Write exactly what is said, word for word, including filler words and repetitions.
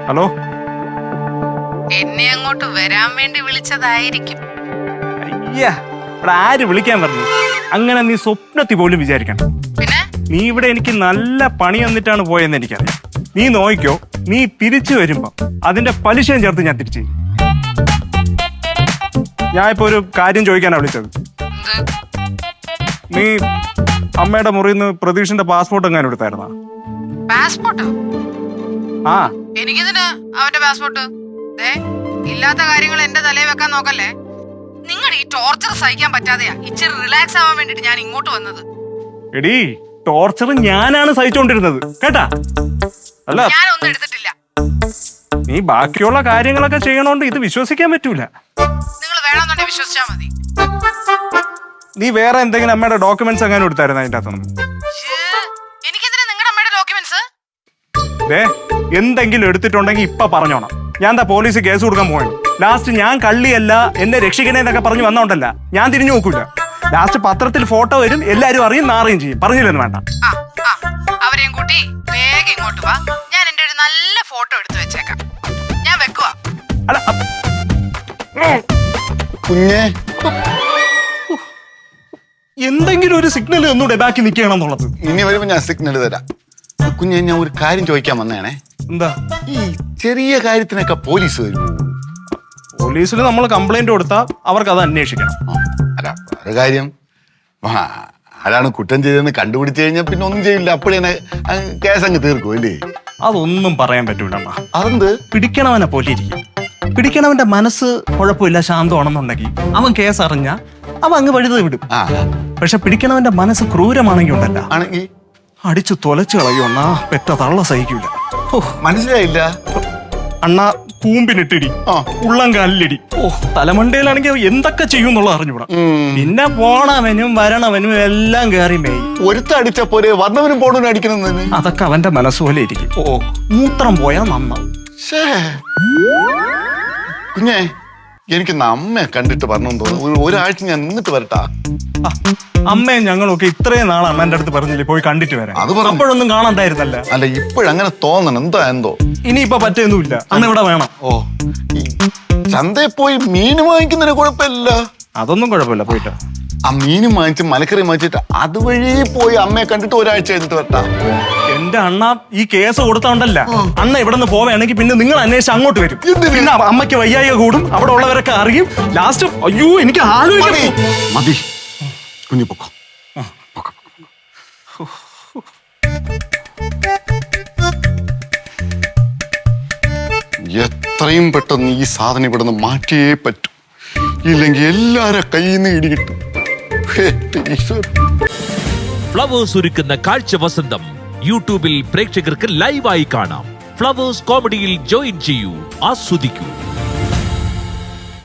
Hello, എന്നെ അങ്ങോട്ട് വരാൻ വേണ്ടി വിളിച്ചതായിരിക്കും. അയ്യാ, ഇവിടെ ആര് വിളിക്കാൻ പറഞ്ഞു? അങ്ങനെ നീ സ്വപ്നത്തിൽ പോലും വിചാരിക്കണം. പിന്നെ നീ ഇവിടെ എനിക്ക് നല്ല പണി വന്നിട്ടാണ് പോയെന്ന് എനിക്കറിയാം. നീ നോക്കിക്കോ, നീ തിരിച്ചു വരുമ്പോ അതിന്റെ പലിശയും ചേർത്ത് ഞാൻ തിരിച്ചു. ഞാൻ ഇപ്പൊ ഒരു കാര്യം ചോദിക്കാനാ വിളിച്ചത്. നീ അമ്മയുടെ മുറിയിൽ നിന്ന് പ്രതീഷിന്റെ പാസ്പോർട്ട് എങ്ങാനും എടുത്തായിരുന്നാ? പാസ്പോർട്ടോ? ആ, എനിക്കിതിന് അവന്റെ പാസ്പോർട്ട് ഇല്ലാത്ത കാര്യങ്ങൾ എന്റെ തലയിൽ വെക്കാൻ നോക്കല്ലേ. നിങ്ങൾ ഈ ടോർച്ചർ സഹിക്കാൻ പറ്റാതെയാ ഇച്ചിരി റിലാക്സ് ആവാൻ വേണ്ടിട്ട് ഞാൻ ഇങ്ങോട്ട് വന്നത്. എടീ, ടോർച്ചർ ഞാനാണ് സഹിച്ചോണ്ടിരുന്നത് കേട്ടാ. അല്ല, ഞാനൊന്നും എടുത്തിട്ടില്ല. നീ ബാക്കിയുള്ള കാര്യങ്ങളൊക്കെ ചെയ്യണോണ്ട് ഇത് വിശ്വസിക്കാൻ പറ്റൂല. നിങ്ങൾ വേണമെന്നുണ്ടെങ്കിൽ വിശ്വസിച്ചാ മതി. നീ വേറെ എന്തെങ്കിലും അമ്മയുടെ ഡോക്യുമെന്റ്സ് എങ്ങാനും എടുത്തായിരുന്നു അതിന്റെ അകത്തൊന്നും? എനിക്കെന്തിനാ നിങ്ങളുടെ അമ്മയുടെ ഡോക്യുമെന്റ്സ്? ദേ, എന്തെങ്കിലും എടുത്തിട്ടുണ്ടെങ്കിൽ ഇപ്പൊ പറഞ്ഞോണം. ഞാൻ എന്താ പോലീസ് കേസ് കൊടുക്കാൻ പോയത്? ലാസ്റ്റ് ഞാൻ കള്ളിയല്ല, എന്നെ രക്ഷിക്കണേന്നൊക്കെ പറഞ്ഞു വന്നോണ്ടല്ല ഞാൻ തിരിഞ്ഞു നോക്കൂല. ലാസ്റ്റ് പത്രത്തിൽ ഫോട്ടോ വരും, എല്ലാരും അറിയും, നാറുകയും ചെയ്യും. പറഞ്ഞില്ലെന്ന് വേണ്ട. അവരെയും കൂട്ടി വേഗം ഇങ്ങോട്ട് വാ. ഞാൻ എന്റെ ഒരു നല്ല ഫോട്ടോ എടുത്തു വെച്ചേക്കാം. ഞാൻ വെക്കുവാ. അല്ല കുഞ്ഞേ, എന്തെങ്കിലും ഒരു സിഗ്നൽ ഒന്നുകൂടെ ബാക്കി നിൽക്കണം എന്നുള്ളത്. ഇനി വരുമ്പോ ഞാൻ സിഗ്നൽ തരാം. കുഞ്ഞെ, ഞാൻ ഒരു കാര്യം ചോദിക്കാൻ വന്നേണേ. എന്താ? ഈ ചെറിയ കാര്യത്തിനൊക്കെ പോലീസ് വരും? പോലീസിൽ നമ്മൾ കംപ്ലൈന്റ് കൊടുത്താൽ അവർക്ക് അത് അന്വേഷിക്കണം. അല്ല, ഒരു കാര്യം, ആരാണ് കുറ്റം ചെയ്തതെന്ന് കണ്ടുപിടിച്ചു കഴിഞ്ഞാൽ പിന്നെ ഒന്നും ചെയ്യില്ല, അപ്പോഴേ കേസ് അങ്ങ് തീർക്കും അല്ലേ? അതൊന്നും പറയാൻ പറ്റൂല. അതെന്ത്? പിടിക്കണവനെ പോലെ ഇരിക്കും. പിടിക്കണവന്റെ മനസ്സ് കുഴപ്പമില്ല, ശാന്തമാണെന്നുണ്ടെങ്കിൽ അവൻ കേസ് അറിഞ്ഞ അവൻ അങ്ങ് വഴുത് വിടും. പക്ഷെ പിടിക്കണവന്റെ മനസ്സ് ക്രൂരമാണെങ്കിൽ ഉണ്ടല്ല, ആണെങ്കിൽ അടിച്ചു തൊലച്ചു കളയുന്ന പെറ്റ തള്ള സഹിക്കൂല. മനസ്സിലായില്ല. അണ്ണ കൂമ്പിനിട്ടിടി, ഉള്ളം കാലിലിടി. ഓ, തലമണ്ടയിലാണെങ്കിൽ എന്തൊക്കെ ചെയ്യും എന്നുള്ളത് അറിഞ്ഞൂടാ. പിന്നെ പോണവനും വരണവനും എല്ലാം കയറി മേയി. ഒരുത്ത അടിച്ച പോരെ വന്നവനും പോണവനും അടിക്കണമെന്ന്. അതൊക്കെ അവന്റെ മനസ്സുപോലെ ഇരിക്കും. ഓ, മൂത്രം പോയാ നന്നാവും. കുഞ്ഞെ, എനിക്ക് അമ്മയെ കണ്ടിട്ട് പറഞ്ഞു തോന്നുന്നു. ഒരാഴ്ച ഞാൻ നിന്നിട്ട് വരട്ടാ. അമ്മയും ഞങ്ങളൊക്കെ ഇത്രയും നാൾ അമ്മേന്റെ അടുത്ത് പറഞ്ഞില്ലേ പോയി കണ്ടിട്ട് വരാം. അപ്പോഴൊന്നും കാണാണ്ടായിരുന്നല്ല. അല്ല, ഇപ്പോഴങ്ങനെ തോന്നണം. എന്താ എന്തോ ഇനിയിപ്പൊ പറ്റൊന്നുമില്ല. അന്ന് ഇവിടെ വേണം. ഓ, ചന്തയിൽ പോയി മീൻ വാങ്ങിക്കുന്നതിന് കുഴപ്പമില്ല. അതൊന്നും കുഴപ്പമില്ല, പോയിട്ട് ആ മീനും വാങ്ങിച്ച് മലക്കറി വാങ്ങിച്ചിട്ട് അതുവഴി പോയി അമ്മയെ കണ്ടിട്ട് ഒരാഴ്ച കഴിഞ്ഞിട്ട് വരട്ടാ. എന്റെ അണ്ണ ഈ കേസ് കൊടുത്തോണ്ടല്ല, അണ്ണ ഇവിടെ നിന്ന് പോവുകയാണെങ്കിൽ പിന്നെ നിങ്ങൾ അന്വേഷിച്ച് അങ്ങോട്ട് വരും. പിന്നെ അമ്മയ്ക്ക് വയ്യായിക കൂടും, അവിടെ ഉള്ളവരൊക്കെ അറിയും. ലാസ്റ്റ് അയ്യോ എനിക്ക് ആലോചിക്കും. മതി കുഞ്ഞു, പൊക്കോ. എത്രയും പെട്ടെന്ന് ഈ സാധനം ഇവിടെ നിന്ന് മാറ്റിയേ പറ്റൂ, ഇല്ലെങ്കിൽ എല്ലാരും കയ്യിൽ നിന്ന് ഇടികിട്ടും. ഫ്ലവേഴ്സ് ഒരുക്കുന്ന കാഴ്ച വസന്തം യൂട്യൂബിൽ പ്രേക്ഷകർക്ക് ലൈവായി കാണാം. ഫ്ലവേഴ്സ് കോമഡിയിൽ ജോയിൻ ചെയ്യൂ, ആസ്വദിക്കൂ.